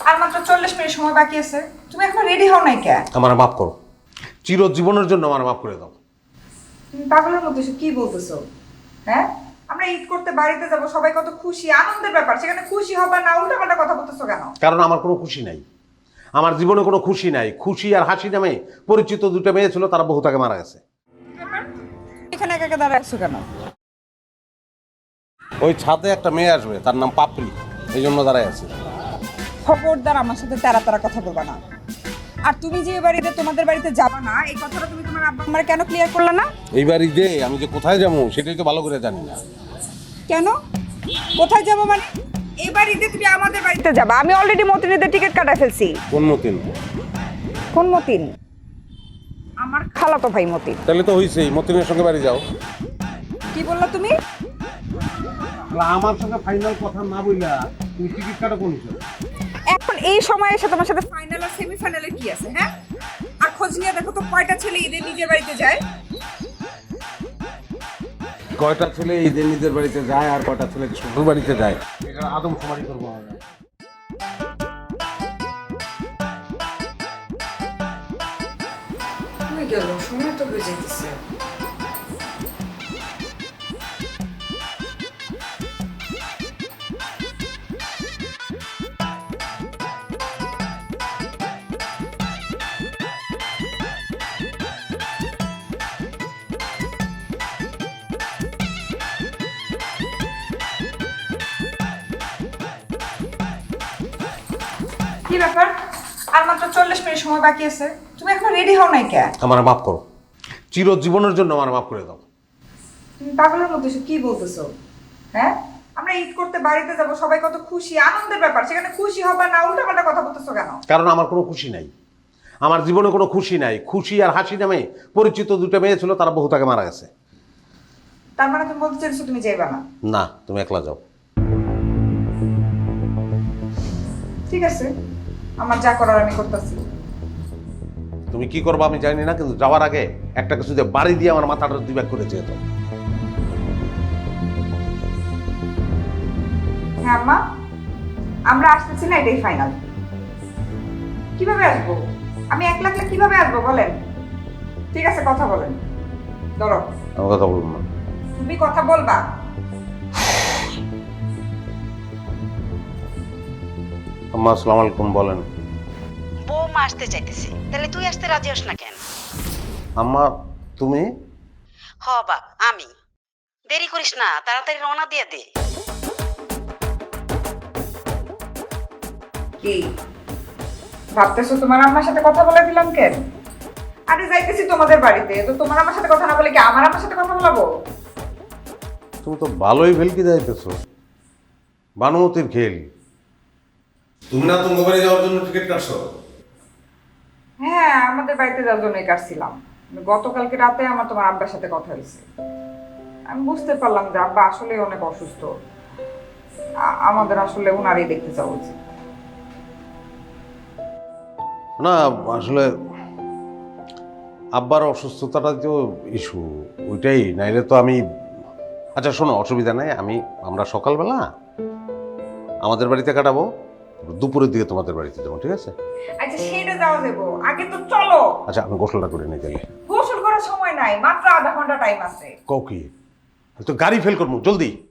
আর মাত্র 40 মিনিট সময় বাকি আছে, তুমি এখনো রেডি হও নাই কে? আমার মাফ করো, চিরজীবনের জন্য আমার মাফ করে দাও। তুমি পাগলের মতো এসে কি বলতেছো? হ্যাঁ, আমরা ঈদ করতে বাড়িতে যাব, সবাই কত খুশি, আনন্দের ব্যাপার, সেখানে খুশি হবা না উল্টাপাল্টা কথা বলতেছো কেন? কারণ আমার কোনো খুশি নাই, আমার জীবনে কোনো খুশি নাই। খুশি আর হাসি নামে পরিচিত দুটো মেয়ে ছিল, তারা বহু তাকে মারা গেছে। এখানে একা একা দাঁড়ায় আছো কেন? ওই ছাদে একটা মেয়ে আসবে, তার নাম পাপড়ি, এই জন্য দাঁড়ায় আছে। খবরদার আমার সাথে তেরা তেরা কথা বলবা না। আর তুমি যে বাড়িতে তোমাদের বাড়িতে যাবা না, এই কথাটা তুমি তোমার আব্বা আম্মার কেন ক্লিয়ার করলা না? এইবার ঈদে আমি যে কোথায় যাবো সেটাই তো ভালো করে জানি না। কেন? কোথায় যাবো মানে? এই বাড়িতে তুমি আমাদের বাড়িতে যাবা। আমি অলরেডি মতিনের টিকিট কাটা ফেলছি। কোন মতিন? কোন মতিন? আমার খালাতো ভাই মতিন। তাহলে তো হইছেই, মতিনের সঙ্গে বাড়ি যাও। কি বললা তুমি? আমার সঙ্গে ফাইনাল কথা না বইলা তুমি টিকিট কাটো কোন হিসাবে? এখন এই সময় এসে তোমার সাথে ফাইনাল আর সেমিফাইনালে কি আছে? হ্যাঁ, আর খোঁজ নিয়ে দেখো তো কয়টা ছেলে ঈদে নিজের বাড়িতে যায়। কয়টা ছেলে ঈদের নিজের বাড়িতে যায় আর কয়টা ছেলে শ্বশুর বাড়িতে যায়, এটা আদম শুমারি করবো আমরা। কই গেল? সময় তো হয়ে যাইতেছে। কি ব্যাপার? আর মাত্র 40 মিনিট সময় বাকি আছে, তুমি এখনো রেডি হও নাই কে? আমার মাফ করো, চিরজীবনের জন্য আমার মাফ করে দাও। তুমি পাগলের মতো এসে কি বলতেছো? হ্যাঁ, আমরা ঈদ করতে বাড়িতে যাব, সবাই কত খুশি, আনন্দের ব্যাপার, সেখানে খুশি হবা না উল্টাপাল্টা কথা বলতেছো কেন? কারণ আমার কোনো খুশি নাই, আমার জীবনে কোনো খুশি নাই। খুশি আর হাসি নামে পরিচিত দুটো মেয়ে ছিল, তারা বহু তাকে মারা গেছে। তার মানে তুমি বলতে চাইছো তুমি যাইবা না? না, তুমি একলা যাও। ঠিক আছে, আমার যা করার আমি করতেছি। তুমি কি করবো আমি জানি না, কিন্তু যাওয়ার আগে একটা কিছু যে বাড়ি দিয়ে আমার মাথাটা দুই ভাগ করে যেত। হ্যাঁ আম্মা, আমরা আসতেছি না, এটাই ফাইনাল। কিভাবে আসবো? আমি একলা একলা কিভাবে আসবো বলেন? ঠিক আছে, কথা বলেন। ধরো, আমি কথা বলবো না। তুমি কথা বলবা। আম্মা আসসালামু আলাইকুম। বলেন। বৌমা আসতে চাইতেছে, তাহলে তুই আসতে রাজি হস না কেন? আম্মা তুমি? হ বাপ, আমি। দেরি করিস না, তাড়াতাড়ি রওনা দিয়ে দে। কি ভাবতেছো তোমার আম্মার সাথে কথা বলে দিলাম কেন? আরে যাইতেছি তোমাদের বাড়িতে, তো তোমার আমার সাথে কথা না বলে কি আমার আমার সাথে কথা বলাবো? তুমি তো ভালোই ভেলকি যাইতেছো, বানুমতির খেল। তুমি না তোমার বাড়ি যাওয়ার জন্য টিকিট কাটছো? হ্যাঁ, আমাদের বাড়িতে যাওয়ার জন্যই কাটছিলাম। গতকালকে রাতে আমার তোমার আব্বার সাথে কথা হয়েছে। আমি বুঝতে পারলাম যে আব্বা আসলে অনেক অসুস্থ। আমাদের আসলে উনারই দেখতে যাওয়া উচিত। না আসলে আব্বার অসুস্থতাটা তো ইস্যু, ওইটাই। নাইলে তো আমি, আচ্ছা শোনো, অসুবিধা নাই, আমরা সকালবেলা আমাদের বাড়িতে কাটাবো, দুপুরের দিকে তোমাদের বাড়িতে যাবো, ঠিক আছে? আচ্ছা সেটা যাওয়া যাবো, আগে তো চলো। আচ্ছা আমি গোসলটা করে নিই তাহলে। গোসল করার সময় নাই, মাত্র আধা ঘন্টা টাইম আছে। কও কি, তো গাড়ি ফেল করবো, জলদি।